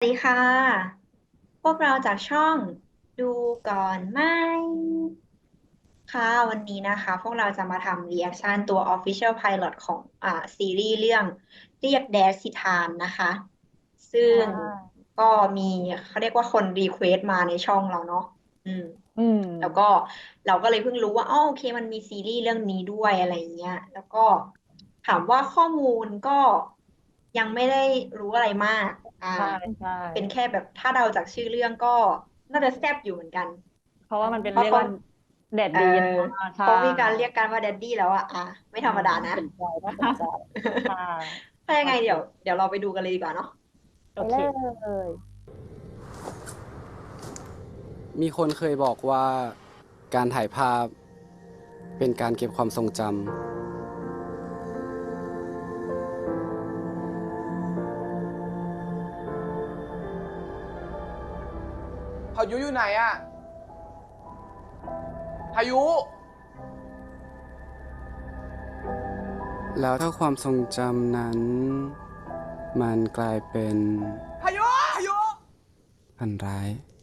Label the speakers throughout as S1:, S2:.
S1: ดีค่ะพวกเราจากช่องดูก่อนไหมค่ะวันนี้นะคะพวกเราจะมาทำรีแอคชั่นตัว Official Pilot ของซีรีส์เรื่องเรียกแดดสิทานนะคะซึ่
S2: อ่
S1: ง
S2: า
S1: ก็มีเขาเรียกว่าคนรีเควสต์มาในช่องเราเนาะอืม
S2: อืม
S1: แล้วก็เราก็เลยเพิ่งรู้ว่าอ๋อโอเคมันมีซีรีส์เรื่องนี้ด้วยอะไรอย่างเงี้ยแล้วก็ถามว่าข้อมูลก็ยังไม่ได้รู้อะไรมาก
S2: ใช่ใช่
S1: เป็นแค่แบบถ้าเดาจากชื่อเรื่องก็น่าจะแซ่บอยู่เหมือนกัน
S2: เพราะว่ามันเป็น
S1: เพราะเขา
S2: เรียกว่าแดด
S1: เออ
S2: ดีนะใช่
S1: เขามีการเรียกกันว่าแดดดี้แล้วไม่ธรรมดานะ
S2: น่าสนใจน่าสนใจค่ะ
S1: ถ้ายั
S2: โอเค
S1: งไงเดี๋ยวเราไปดูกันเลยดีกว่าเนาะ
S2: โอเค
S3: ยมีคนเคยบอกว่าการถ่ายภาพเป็นการเก็บความทรงจ
S4: พายุอยู่ไหนอะพายุ
S3: ำแล้วถ้าความทรงจำนั้นมันกลายเป็น
S4: พายุพายุ
S3: ฝันร้าย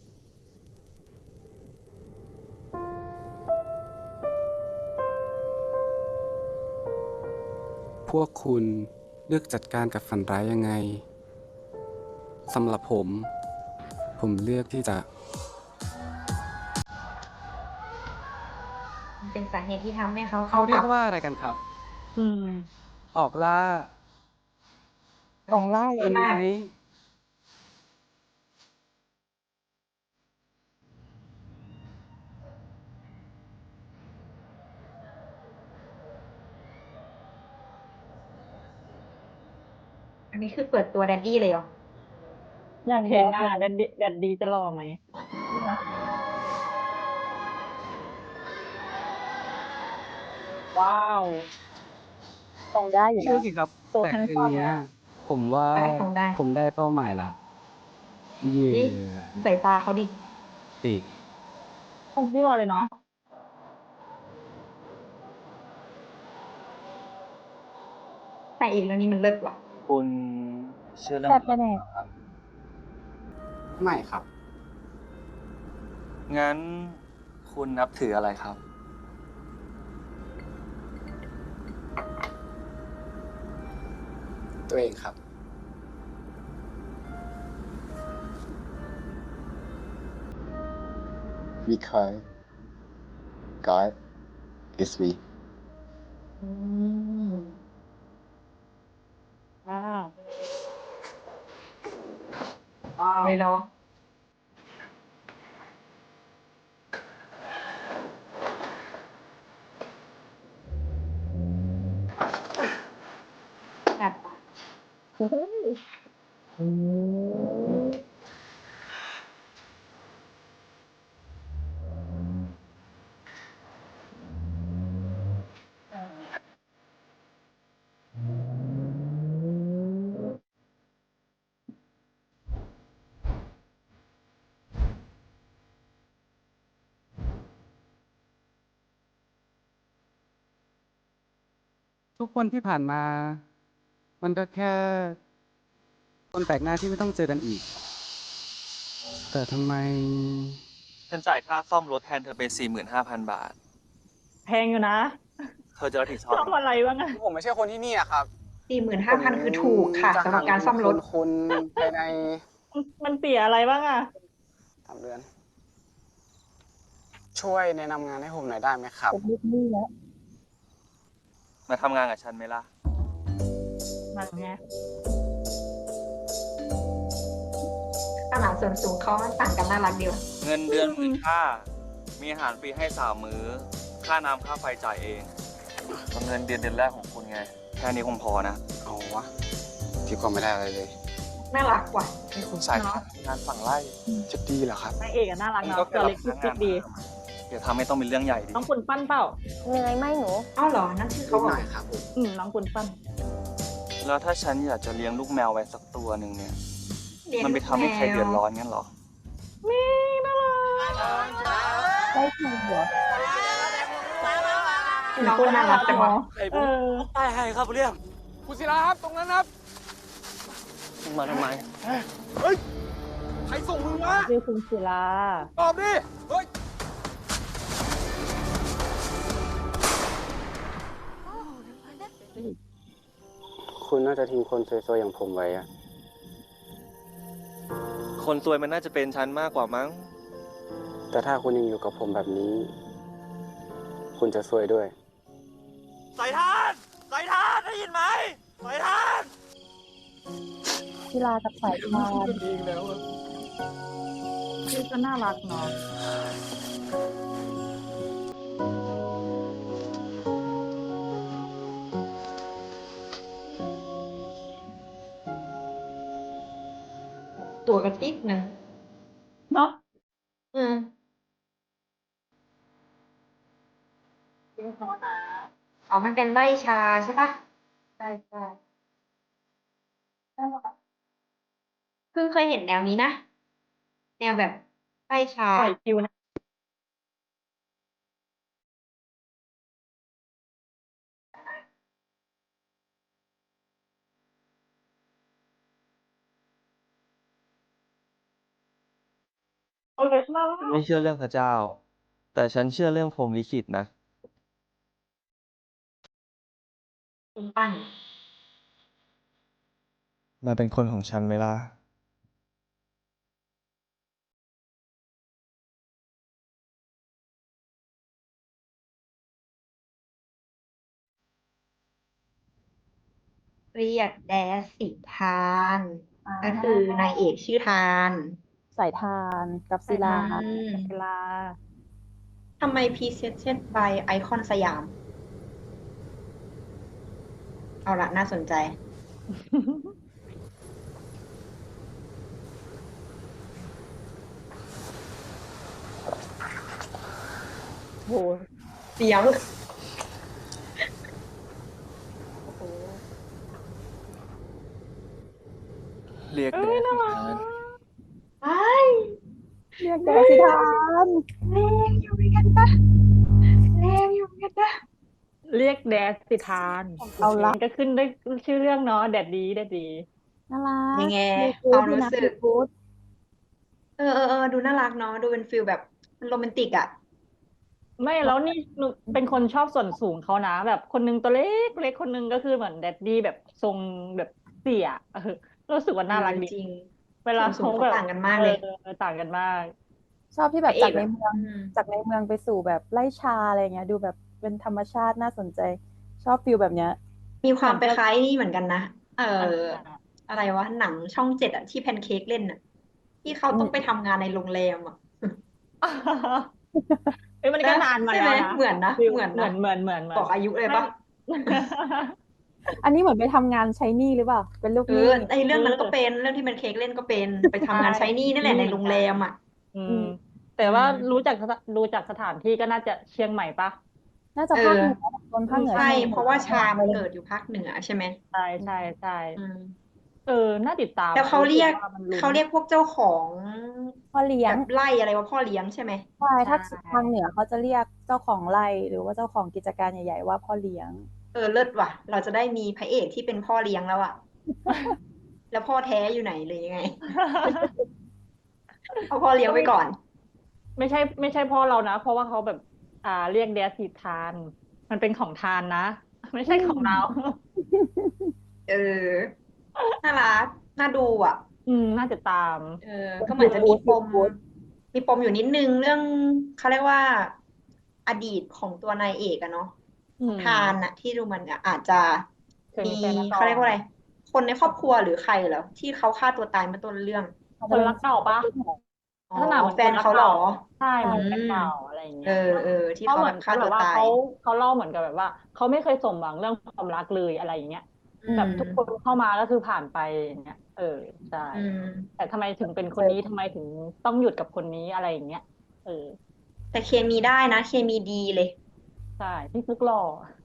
S3: พวกคุณเลือกจัดการกับฝันร้ายยังไงสำหรับผมเลือกที่จะ
S1: มันเป็นสาเหตุที่ทำให้เขา
S3: เขา
S1: เข้ากับ
S3: เรียกว่าอะไรกันครับ
S2: อืม
S3: ออกล่า
S2: ของไล่
S3: เป็นไหม
S1: อันนี้คือเปิดตัวแดดดี้เลยเหรอ
S2: อยากเห็นแดดดีแดดดีจะรอไหมว้าวตรงได้อยู่
S3: ชื่อ
S2: นะ
S3: กี่ครับ
S2: ตัว
S3: แต่
S2: ทั้ง
S3: คืนเนี้ยผมว่า
S1: ได้คงได้
S3: ผมได้เป้าหมายละเย่
S1: ดิใส่ตาเขาดิ
S3: ติ
S2: คงที่รอเลยเนาะ
S1: ใส่อีกแล้วนี่มันเลิศว่ะ
S4: คุณเชื่อเรื่อง
S2: แต่
S4: ผี
S2: ไปไหน
S4: เหรอครับ
S3: ไม่ครับ
S4: งั้นคุณนับถืออะไรครับ
S3: ตัวเองครับ
S5: Because God is we.
S1: อืม
S2: ว้าว
S1: เลยเนาะแบบ
S3: ทุกคนที่ผ่านมา มันก็แค่คนแปลกหน้าที่ไม่ต้องเจอกันอีก แต่ทำไม
S4: ฉันจ่ายค่าซ่อมรถแทนเธอไป45,000 บาท
S2: แพงอยู่นะ
S4: เธอจะรับผิดชอบ
S2: ชอบ
S4: ยังไง
S2: อะไรบ้างอะ
S3: ผมไม่ใช่คนที่นี่อะครับ
S1: 45,000คือถูกค่ะสำหรับการซ่อมรถ
S3: คุณภายใน
S2: มันเสียอะไรบ้างอะ
S3: 3 เดือน ช่วยแนะนำงานให้ผมหน่อยได้ไหมครับ
S2: ผมลูกหนี้แล้ว
S4: มาทำงานกับฉันไหมล่ะ
S2: มันไง
S1: ตลาดส่วนสูงเขามันต่างกันน่ารักดีว่ะ
S4: เงินเดือน15,000มีอาหารฟรีให้3 มื้อ ค่าน้ำค่าไฟจ่ายเองเงินเดือนแรกของคุณไง แค่นี้คงพอนะ
S3: เอาวะที่ก็ไม่ได้อะไรเลย
S1: น่ารักว่ะ
S4: นี่คุณสายงานฝั่งไร่
S3: จะดีเหรอครับ
S2: นางเอกอะน่ารัก
S4: มัน
S2: เนาะ
S4: ก็แค่
S2: ตัว
S4: รับ
S2: เล็ก
S4: พนักงา
S2: จิ๊
S4: น
S2: กดี
S4: เดี๋ยวทำให้ต้องเป็นเรื่องใหญ่ดิ
S2: น้องคุณปั้นเปล่า
S6: เหนื่อยไหมหนู
S1: เอ้าเหรอนั่นชื่อเขาเหรอ
S3: ครับผม
S2: น้องคุณปั้น
S4: แล้วถ้าฉันอยากจะเลี้ยงลูกแมวไว้สักตัวหนึ่งเนี่ย
S1: เลี้ยง
S4: มันไปทำให้ใครเดือดร้อน
S1: แมว
S4: งั้นเหรอ
S2: นี่น่ารักได้ถูกเหรอ
S1: น้องคนน่ารักจังวะ
S2: เออ
S4: ใช่ครับเรียก
S3: คุณศิลาครับ ตรงนั้นครับ
S4: มาทำไมรส่งมึงวะ
S2: ชื่อคุณศิลา
S4: ตอบดิ เฮ้ย
S3: คุณน่าจะทิ้งคนสวยๆอย่างผมไว้อะ
S4: คนซวยมันน่าจะเป็นฉันมากกว่ามั้ง
S3: แต่ถ้าคุณยังอยู่กับผมแบบนี้ คุณจะซวยด้วย
S4: สายทานสายทานได้ยินไหมสายทาน
S2: ศิลากับสายทาน
S4: เองแล้วอะ
S2: ชื่อก็น่ารักเนาะ
S1: ตัวกระติกนะ
S2: เนาะ
S1: อืมอ๋อมันเป็นใบชาใช่ปะใช่ใช่เพิ่งเคยเห็นแนวนี้นะ แนวแบบใบชา
S2: ปล่อยคิวนะ โอเคน่ารัก
S4: ไม่เชื่อเรื่องพระเจ้า แต่ฉันเชื่อเรื่องพรหมลิขิตนะ
S1: คุณปั้น
S4: มาเป็นคนของฉันไหมล่ะ
S1: เรียกแดสสิทานก็คือนายเอกชื่อทาน
S2: สายทานกับศิลา
S1: อืม
S2: ศิลา
S1: ทำไม Presented by ไอคอนสยาม เอาละน่าสนใจ
S2: โห
S1: เสียง
S4: เรียกแดดสิทาน
S1: ไอ้
S2: เรียกแดสิทาน
S1: แรงอยู่เหมือนกันปะแรงอยู่เหมือนกันปะ
S2: เรียกแดสิทาน
S6: เอาละ
S2: ก็ขึ้นได้ชื่อเรื่องเนาะแดดดีแดดดี
S6: น่ารัก
S1: ยังไง
S6: ดู
S1: ค
S6: กู๊
S1: วา
S6: ด
S1: ม
S6: ดี
S1: รู้
S6: นะ
S1: สึ
S6: ดู
S1: ก
S6: กู๊ด
S1: ดูน่ารักเนาะ ดูเป็นฟิลแบบโรแมนติกอ่ะ
S2: ไม่แล้วนี่หนูเป็นคนชอบส่วนสูงเขานะ แบบคนนึงตัวเล็กเล็กคนนึงก็คือเหมือนแดดดี้แบบทรงแบบเสี่ยรู้สึกว่าน่ารักดี
S1: จริง
S2: เวลา
S1: ส่วนสูง
S2: เขาแบบ
S1: เขาต่างกันมากเลย
S2: ต่างกันมาก
S6: ชอบที่แบบ
S1: พระเอ
S6: จาก
S1: ก
S6: ใน
S1: อะ
S6: เมือง
S1: อืม
S6: จากในเมืองไปสู่แบบไร่ชาอะไรเงี้ย ดูแบบเป็นธรรมชาติน่าสนใจ ชอบฟิลแบบเนี้ย
S1: มีความ
S2: เห
S1: ไป
S2: มือนจะ
S1: คล้ายนี่เหมือนกันนะ
S2: อ่า
S1: อะไรวะ หนังช่อง 7อะที่แพนเค้กเล่นอะที่เขาต้องไปทำงานในโรงแรมอะ
S2: เอ้ยมันก็
S1: นะ
S2: นานมา
S1: ใช่
S2: แล้
S1: ไหม
S2: วนะ
S1: เหมือนนะ
S2: ฟิล
S1: เหมือน
S2: เหมื
S1: นะ
S2: อนเหมือนเหมือนเหมือน
S1: บอกอายุเลยปะ
S6: อันนี้เหมือนไปทำงานใช้หนี้หรือเปล่า เป็นลูกหนี้
S1: ไอเรื่องนั้นก็เป็นเรื่องที่แพนเค้กเล่นก็เป็นไปทำงานใช้หนี้นั่นแหละในโรงแรมอะ
S2: อื
S6: อื
S2: ม
S6: ม
S2: แต่ว่า
S1: อืม
S2: รู้จักสถานที่ก็น่าจะเชียงใหม่ปะ
S6: น่าจะภาคเหนือโซนภาคเหนือ
S1: ใช่
S6: ใช่ไหม
S1: เพราะว่าชามันเกิดอยู่ภาคเหนือใช่ไหม
S2: ใช่ใช่ใช่
S1: อืม
S2: น่าติดตาม
S1: แล้วเขา
S2: อะ
S1: เรียก
S2: สึว่ามันลุ้น
S1: เขาเรียกพวกเจ้าของ
S6: พ่อเลี้ย
S1: แบ
S6: ง
S1: บไร่อะไรว่าพ่อเลี้ยงใช่ไหม
S6: ใช่ ถ้า
S2: ใช่
S6: ทางเหนือเขาจะเรียกเจ้าของไร่ หรือว่าเจ้าของกิจการใหญ่ๆว่าพ่อเลี้ยง
S1: เลิศว่ะ เราจะได้มีพระเอกที่เป็นพ่อเลี้ยงแล้วอะ แล้วพ่อแท้อยู่ไหนเลยยังไง เอาพ่อเลี้ยงไว้ก่อน
S2: ไม่ใช่พ่อเรานะ เพราะว่าเขาแบบ เรียกแดดสิทาน มันเป็นของทานนะ ไม่ใช่ของเรา
S1: น่ารัก น่าดูอ่ะ
S2: น่าจะตาม
S1: ก็เหมือนจะมีปม
S6: Good
S1: มีปมอยู่นิดนึงเรื่องเขาเรียกว่า อดีตของตัวนายเอกอะเนาะ
S2: อืม
S1: ทานอะที่ดูมันอาจจะ
S2: เคย
S1: มี
S2: มีแฟนมาก่อน
S1: เขาเรียกว่าอะไร คนในครอบครัวหรือใครเหรอที่เขาฆ่าตัวตายเมื่อต้นเรื่อง
S2: คนรักเก่าปะ
S1: อ๋อ
S2: ลักษณะเหมือน
S1: แฟนเขาเหรอ
S2: ใช่เหมือน
S1: อืม
S2: แฟนเก่าอะไรอย่างเงี้ย
S1: ที่
S2: เขา
S1: เขา
S2: เห
S1: แบ
S2: มือน
S1: บฆ่า
S2: แบ
S1: ตัว
S2: บว่า
S1: ตาย
S2: เขาเล่าเหมือนกับแบบว่าเขาไม่เคยสมหวังเรื่องความรักเลยอะไรอย่างเงี้ย
S1: อืม
S2: แบบทุกคนเข้ามาก็คือผ่านไปอย่างเงี้ยใช่
S1: อืม
S2: แต่ทำไมถึงเป็นคนนี้ทำไมถึงต้องหยุดกับคนนี้อะไรอย่างเงี้ย
S1: แต่เคมีได้นะ เคมีดีเลย
S2: ใช่พี่ฟุกหล่อ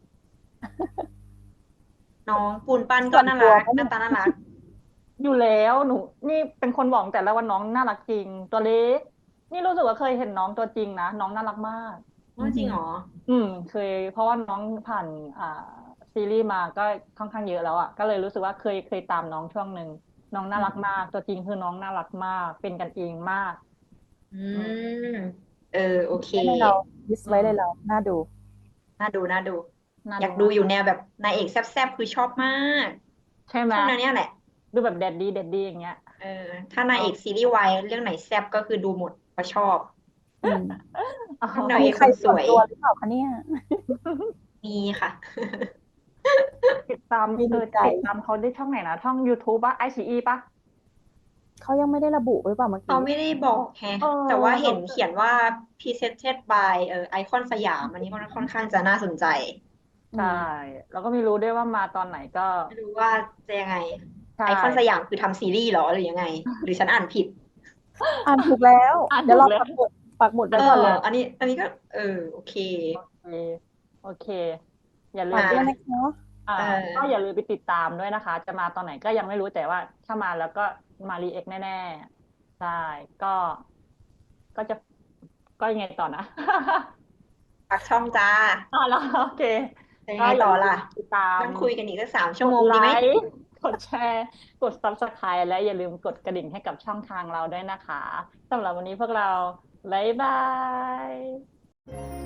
S1: น้องปูนปั้น
S6: ส่
S1: ก็
S6: วน
S1: น่า
S6: ตัว
S1: รัก
S6: ก็
S1: ห
S6: ไม่
S1: น้าตาน่ารัก
S2: อยู่แล้วหนูนี่เป็นคนบอกแต่ละวันน้องน่ารักจริง ตัวเล็กนี่รู้สึกว่าเคยเห็นน้องตัวจริงนะน้องน่ารักมาก
S1: จริงเหรอ
S2: เคยเพราะว่าน้องผ่านซีรีส์มาก็ค่อนข้างเยอะแล้วอ่ะก็เลยรู้สึกว่าเคยตามน้องช่วงหนึ่งน้องน่ารักมาก ตัวจริงคือน้องน่ารักมาก เป็นกันเองมาก
S1: อื
S2: อืม
S1: ม โอเค
S6: ไว้เลยเราลิส
S2: อื
S6: ไว้เลย
S2: ม
S6: เรา น่าดู
S1: น่าดู
S2: น่า
S1: อยาก
S2: ดู
S1: ดู
S2: มาก
S1: อยู่แนวแบบนายเอกแซ่บๆ คือชอบมาก
S2: ใช่ไหม
S1: ชอบแนวเนี้ยแหละ
S2: ดูแบบแดดดี้อย่างเงี้ย
S1: ถ้านาย
S2: อ๋
S1: เอ
S2: อ
S1: กซีรีส์วายเรื่องไหนแซ่บก็คือดูหมด เพราะชอบ
S6: อืม
S2: อ๋อ
S1: ชอบนาง
S6: มี
S1: เอก
S6: ใค
S1: ค
S6: ร
S1: นส
S6: ส่วน
S1: วย
S6: ตัวหรือเปล่าคะเนี่ย
S1: มีค่ะ
S2: ติดตาม
S6: ไม่รู้ใจ
S2: ติดตามเขาได้ช่องไหนนะ ช่อง YouTube ป่ะ iQIYI ป่ะ
S6: เขายังไม่ได้ระบุหรือเปล่าเมื่อ
S1: เขา
S6: กี้
S1: ไม่ได้บอกแฮะ
S2: เออ
S1: แต่ว่า
S2: เรา
S1: เห็น
S2: ก็
S1: เขียนว่า Presented by ไอคอนสยาม อันนี้ค่อนข้างจะน่าสนใจ
S6: อื
S2: ใช่
S6: ม
S2: เราก็ไม่รู้ด้วยว่ามาตอนไหนก็
S1: ไม่รู้ว่าจะยังไง
S2: ใช่
S1: ไอคอนสยามคือทำซีรีส์เหรอ หรือยังไง หรือฉันอ่านผิด
S6: อ่านถูกแล้ว
S2: อ่าน
S6: เดี๋ย
S2: ถู
S6: ว
S2: ก
S6: เรา
S2: แล้ว
S6: ปักหมุดไว้ก่อนเลย
S1: อันนี้ก็ โอเค
S2: โอเค โอเค อย่าลื
S6: ฝาม ก
S2: ไป
S6: ด้วยนะคะ
S2: ก็
S1: เออ
S2: อย่าลืมไปติดตามด้วยนะคะ จะมาตอนไหนก็ยังไม่รู้ แต่ว่าถ้ามาแล้วก็มารีแอคแน่ ๆ ใช่ ก็จะ ก็ยังไงต่อนะ
S1: ฝากช่องจ้า
S2: เหรอ โอเค
S1: จะยั
S2: ก็
S1: งไง
S2: อย่า
S1: ต่อ
S2: ลื
S1: ล่ะ
S2: มติดตาม
S1: นั่งคุยกันอีกสัก3 ชั่
S2: ก
S1: วโม
S2: ด
S1: ง
S2: ไล
S1: ดีไหม?
S2: ค์ กดแชร์ กด Subscribe และอย่าลืมกดกระดิ่งให้กับช่องทางเราด้วยนะคะ สำหรับวันนี้พวกเรา บ๊ายบาย